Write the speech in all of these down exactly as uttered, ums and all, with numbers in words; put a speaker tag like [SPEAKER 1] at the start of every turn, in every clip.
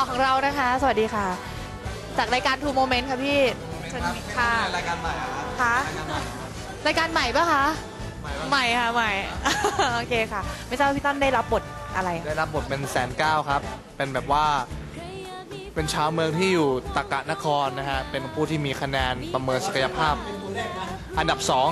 [SPEAKER 1] อของเรานะคะสวัสดีค่ะจากรายการ Two Moment ค่ะพี่สวัสดีค่ะ
[SPEAKER 2] รายการใหม่ครับ
[SPEAKER 1] ค่ะรายการใหม่ปะคะใหม่ค่ะใหม่โอเคค่ะไม่ทราบพี่ต้นได้รับบทอะไร
[SPEAKER 2] ได้รับบทเป็นแสนเก้าครับเป็นแบบว่าเป็นชาวเมืองที่อยู่ตากะนครนะฮะเป็นผู้ที่มีคะแนนประเมินศักยภาพอันดับสอง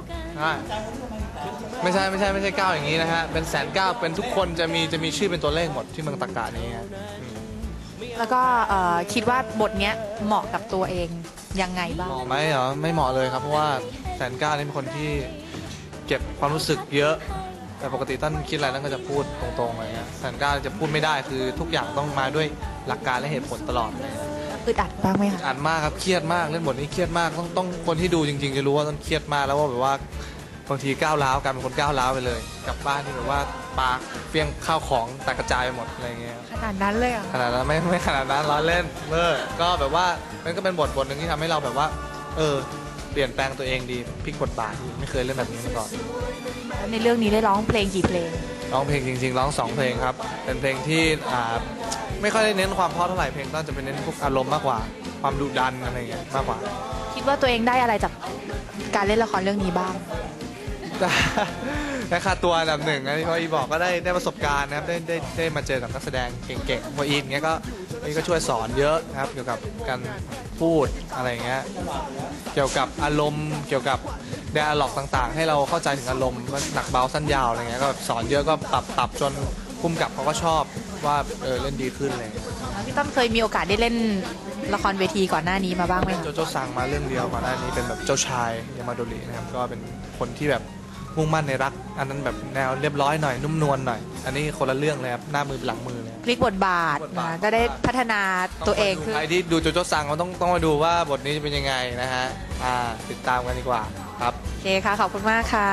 [SPEAKER 2] ไม่ใช่ไม่ใช่ไม่ใช่เก้าอย่างนี้นะฮะเป็นแสนเก้าเป็นทุกคนจะมีจะมีชื่อเป็นตัวเลขหมดที่เมืองตากะนี้ฮะ
[SPEAKER 1] แล้วก็คิดว่าบทนี้เหมาะกับตัวเองยังไงบ้าง
[SPEAKER 2] เหมาะไหมเหรอไม่เหมาะเลยครับเพราะว่าแสนเก้านี่เป็นคนที่เก็บความรู้สึกเยอะแต่ปกติท่านคิดอะไรท่านก็จะพูดตรงๆอะไรเงี้ยแสนเก้าจะพูดไม่ได้คือทุกอย่างต้องมาด้วยหลักการและเหตุผลตลอดเลย
[SPEAKER 1] อึดอัดบ้างไหมคะ
[SPEAKER 2] อึดอัดมากครับเครียดมากเล่นบทนี้เครียดมากต้องต้องคนที่ดูจริงๆจะรู้ว่าต้องเครียดมากแล้วว่าแบบว่าบางทีก้าวร้าวกลายเป็นคนก้าวร้าวไปเลยกลับบ้านที่แบบว่าปาเฟี้ยงข้าวของแตกกระจายไปหมดอะไรเงี้ย
[SPEAKER 1] ขนาดนั้นเลยอ่ะ
[SPEAKER 2] ขนาดนั้นไม่ไม่ขนาดนั้นล้อเล่นเมื่อก็แบบว่ามันก็เป็นบทบทหนึ่งที่ทำให้เราแบบว่าเออเปลี่ยนแปลงตัวเองดีพลิกบทบาทไม่เคยเล่นแบบนี้มาก่อน
[SPEAKER 1] ในเรื่องนี้ได้ร้องเพลงกี่เพลง
[SPEAKER 2] ร้องเพลงจริงๆร้องสองเพลงครับเป็นเพลงที่อ่าไม่ค่อยได้เน้นความเพราะเท่าไหร่เพลงก็จะเป็นเน้นพวกอารมณ์มากกว่าความดุดันอะไรเงี้ยมากกว่า
[SPEAKER 1] คิดว่าตัวเองได้อะไรจากการเล่นละครเรื่องนี้บ้าง
[SPEAKER 2] ได้ค่าตัวอันดับหนึ่งนะที่พ่ออีบอกก็ได้ได้ประสบการณ์นะครับได้ได้ได้มาเจอกับนักแสดงเก่งๆพ่ออีเงี้ยก็นี่ก็ช่วยสอนเยอะนะครับเกี่ยวกับการพูดอะไรเงี้ยเกี่ยวกับอารมณ์เกี่ยวกับไดอะล็อกต่างๆให้เราเข้าใจถึงอารมณ์ว่าหนักเบาสั้นยาวอะไรเงี้ยก็สอนเยอะก็ปรับปรับจนพุ่มกับเขาก็ชอบว่าเออเล่นดีขึ้นเลย
[SPEAKER 1] พี่ต้นเคยมีโอกาสได้เล่นละครเวทีก่อนหน้านี้มาบ้างไหม
[SPEAKER 2] โจโจ้สั่งมาเรื่องเดียวก่อนหน้านี้เป็นแบบเจ้าชายยามาโดรินะครับก็เป็นคนที่แบบมุ่งมั่นในรักอันนั้นแบบแนวเรียบร้อยหน่อยนุ่มนวลหน่อยอันนี้คนละเรื่องเลยครับหน้ามือหลังมือเลย
[SPEAKER 1] พลิกบทบาทนะก็ได้พัฒนาตัวเองคือ
[SPEAKER 2] ใครที่ดูโจโจ้สั่งมันต้องต้องมาดูว่าบทนี้จะเป็นยังไงนะฮะอ่าติดตามกันดีกว่าครับ
[SPEAKER 1] โอเคค่ะขอบคุณมากค่ะ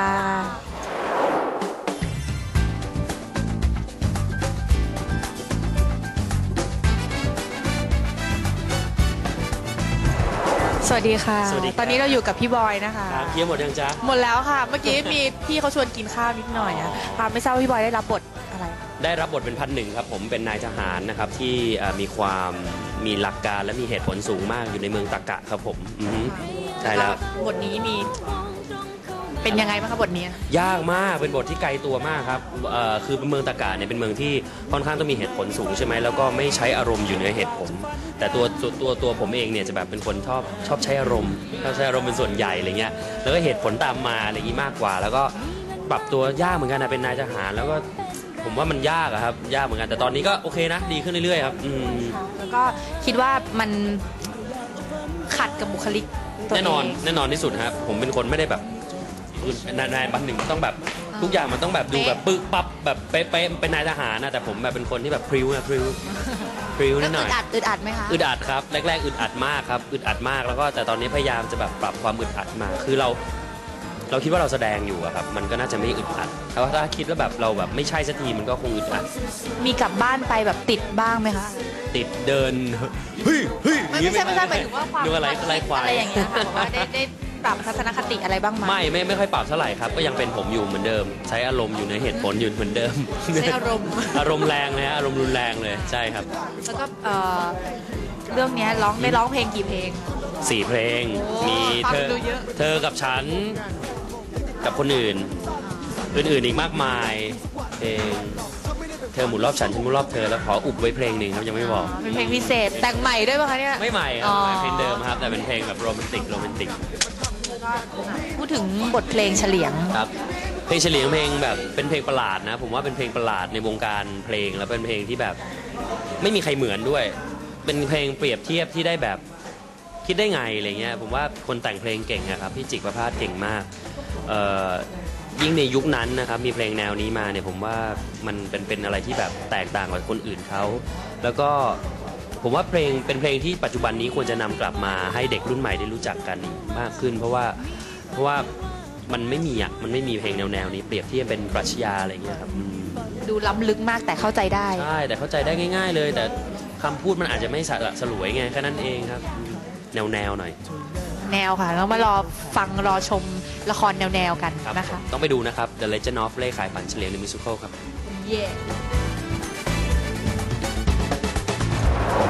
[SPEAKER 1] สวัสดีค่ะตอนนี้เราอยู่กับพี่บอยนะคะ
[SPEAKER 3] ครับเยี่ยมหมดยังจ๊ะ
[SPEAKER 1] หมดแล้วค่ะเมื่อกี้มีพี่เขาชวนกินข้าวนิดหน่อยอะค่ะไม่ทราบว่าพี่บอยได้รับบทอะไร
[SPEAKER 3] ได้รับบทเป็นพันหนึ่งครับผมเป็นนายทหารนะครับที่มีความมีหลักการและมีเหตุผลสูงมากอยู่ในเมืองตากะครับผมใช่แล้ว
[SPEAKER 1] บทนี้มีเป็นยังไงบ้างครับบทนี้
[SPEAKER 3] ยากมากเป็นบทที่ไกลตัวมากครับคือเมืองตากะเนี่ยเป็นเมืองที่ค่อนข้างต้องมีเหตุผลสูงใช่ไหมแล้วก็ไม่ใช้อารมณ์อยู่ในเหตุผลแต่ตัวตัวตัวผมเองเนี่ยจะแบบเป็นคนชอบชอบใช้อารมณ์ชอบใช้อารมณ์เป็นส่วนใหญ่อะไรเงี้ยแล้วก็เหตุผลตามมาอะไรอย่างนี้มากกว่าแล้วก็ปรับตัวยากเหมือนกันนะเป็นนายทหารแล้วก็ผมว่ามันยากอะครับยากเหมือนกันแต่ตอนนี้ก็โอเคนะดีขึ้นเรื่อยๆครับอืม
[SPEAKER 1] แล้วก็คิดว่ามันขัดกับบุคลิก
[SPEAKER 3] แน่นอนแน่นอนที่สุดครับผมเป็นคนไม่ได้แบบนายนายบันหนึ่งต้องแบบทุกอย่างมันต้องแบบดูแบบปึ๊กปั๊บแบบเป๊ะๆเป็นนายทหารนะแต่ผมแบบเป็นคนที่แบบพริ้วนะพริ้วพริ้วนิดหน่อย
[SPEAKER 1] อึดอัดอึดอัดไหมคะ
[SPEAKER 3] อึดอัดครับแรกๆอึดอัดมากครับอึดอัดมากแล้วก็แต่ตอนนี้พยายามจะแบบปรับความอึดอัดมาคือเราเราคิดว่าเราแสดงอยู่อะครับมันก็น่าจะไม่อึดอัดแต่ว่าถ้าคิดว่าแบบเราแบบไม่ใช่สักทีมันก็คงอึดอัด
[SPEAKER 1] มีกลับบ้านไปแบบติดบ้างไหมคะ
[SPEAKER 3] ติดเดินเฮ้ยเฮ้ย
[SPEAKER 1] ไม่ใช่ไม่ใช่หมายถึงว่าความ
[SPEAKER 3] อะไรอะไรควาย
[SPEAKER 1] อะไรอย่างเงี้ยค่ะว่าได้ได้ปรับทัศนคติอะไรบ้างไหม
[SPEAKER 3] ไม่ไม่ไม่ค่อยปรับเท่าไหร่ครับก็ยังเป็นผมอยู่เหมือนเดิมใช้อารมณ์อยู่ในเหตุผลอยู่เหมือนเดิม
[SPEAKER 1] ใช้อารมณ์
[SPEAKER 3] อารมณ์แรงเลยฮะอารมณ์รุนแรงเลยใช่ครับ
[SPEAKER 1] แล้วก็เรื่องนี้ร้องได้ร้องเพลงกี่เพลง
[SPEAKER 3] สี่เพลงมีเธอเธอกับฉันกับคนอื่นอื่นๆอีกมากมายเพลงเธอหมุนรอบฉันฉันหมุนรอบเธอแล้วขออุบไว้เพลงหนึ่งครับยังไม่บอก
[SPEAKER 1] เป็นเพลงพิเศษแต่งใหม่ด้วยป่ะคะเนี่ย
[SPEAKER 3] ไม่ใหม่ครับเพลงเดิมครับแต่เป็นเพลงแบบโรแมนติกโรแมนติก
[SPEAKER 1] พูดถึงบทเพลงเฉลียง
[SPEAKER 3] ครับเพลงเฉลียงเพลงแบบเป็นเพลงประหลาดนะผมว่าเป็นเพลงประหลาดในวงการเพลงแล้วเป็นเพลงที่แบบไม่มีใครเหมือนด้วยเป็นเพลงเปรียบเทียบที่ได้แบบคิดได้ไงอะไรเงี้ยผมว่าคนแต่งเพลงเก่งนะครับพี่จิกประภาสเก่งมากยิ่งในยุคนั้นนะครับมีเพลงแนวนี้มาเนี่ยผมว่ามันเป็นเป็นอะไรที่แบบแตกต่างกว่าคนอื่นเขาแล้วก็ผมว่าเพลงเป็นเพลงที่ปัจจุบันนี้ควรจะนำกลับมาให้เด็กรุ่นใหม่ได้รู้จักกันมากขึ้นเพราะว่าเพราะว่ามันไม่มีอ่ะมันไม่มีเพลงแนวแนวนี้เปรียบเทียบเป็นปรัชญาอะไรเงี้ยครับ
[SPEAKER 1] ดูล้ำลึกมากแต่เข้าใจได้
[SPEAKER 3] ใช่แต่เข้าใจได้ง่ายๆเลยแต่คำพูดมันอาจจะไม่สละสลวยไงแค่นั้นเองครับแนวแนวหน่อย
[SPEAKER 1] แนวค่ะแล้วมารอฟังรอชมละครแนวๆกันนะคะ
[SPEAKER 3] ต้องไปดูนะครับ The Legend of เล่ขายฝันเฉลียง The Musical ครับ
[SPEAKER 1] เย่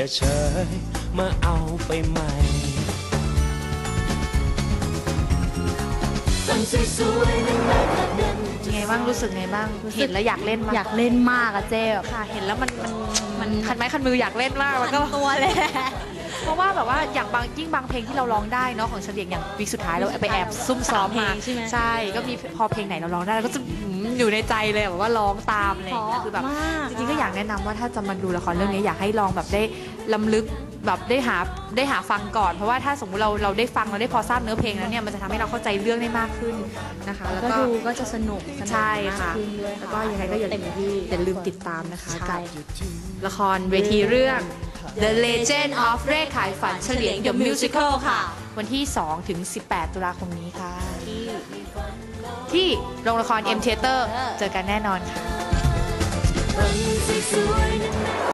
[SPEAKER 3] อย่าเฉยมาเอาไปใหม่
[SPEAKER 1] ไงบ้างรู้สึกไงบ้างเห็นแล้วอยากเล่นมาก
[SPEAKER 4] อยากเล่นมากอะเจ๊แบบ
[SPEAKER 1] ค่ะเห็นแล้วมันมันมันคันไม้คันมืออยากเล่นมากแล้วก็
[SPEAKER 4] ตัวเลย
[SPEAKER 1] เพราะว่าแบบว่าอย่างบางยิ่งบางเพลงที่เราร้องได้เนาะของเฉลียงอย่างวีคสุดท้ายเราไปแอบซุ่มซ้อมมา
[SPEAKER 4] สามเพลงใช่ไหม
[SPEAKER 1] ใช่ก็มีพอเพลงไหนเราร้องได้เราก็จะหืมอยู่ในใจเลยแบบว่าร้องตามอะไรอย่างเงี้ยคือแบบ
[SPEAKER 4] มาก
[SPEAKER 1] จริงๆก็อยากแนะนำว่าถ้าจะมาดูละครเรื่องนี้อยากให้ลองแบบได้ล้ำลึกแบบได้หาได้หาฟังก่อน เพราะว่าถ้าสมมติเราเราได้ฟังเราได้พอทราบเนื้อเพลงแล้วเนี่ยมันจะทำให้เราเข้าใจเรื่องได้มากขึ้นนะคะแล้ว
[SPEAKER 4] ก็
[SPEAKER 1] ก็
[SPEAKER 4] ดูก็จะสนุกสนุก
[SPEAKER 1] ใช่ค่ะ
[SPEAKER 4] มากขึ้นด้วย
[SPEAKER 1] แล้วก็ยังไงก็อย่า
[SPEAKER 4] เต็มที่
[SPEAKER 1] อย่าลืมติดตามนะคะ
[SPEAKER 4] ใช่
[SPEAKER 1] กับละครเวทีเรื่อง The Legend of เร่ขายฝันเฉลียง The Musical ค่ะ วันที่ สองถึงสิบแปด ตุลาคมนี้ค่ะ
[SPEAKER 4] ที่
[SPEAKER 1] ที่โรงละคร M Theater เจอกันแน่นอนค่ะ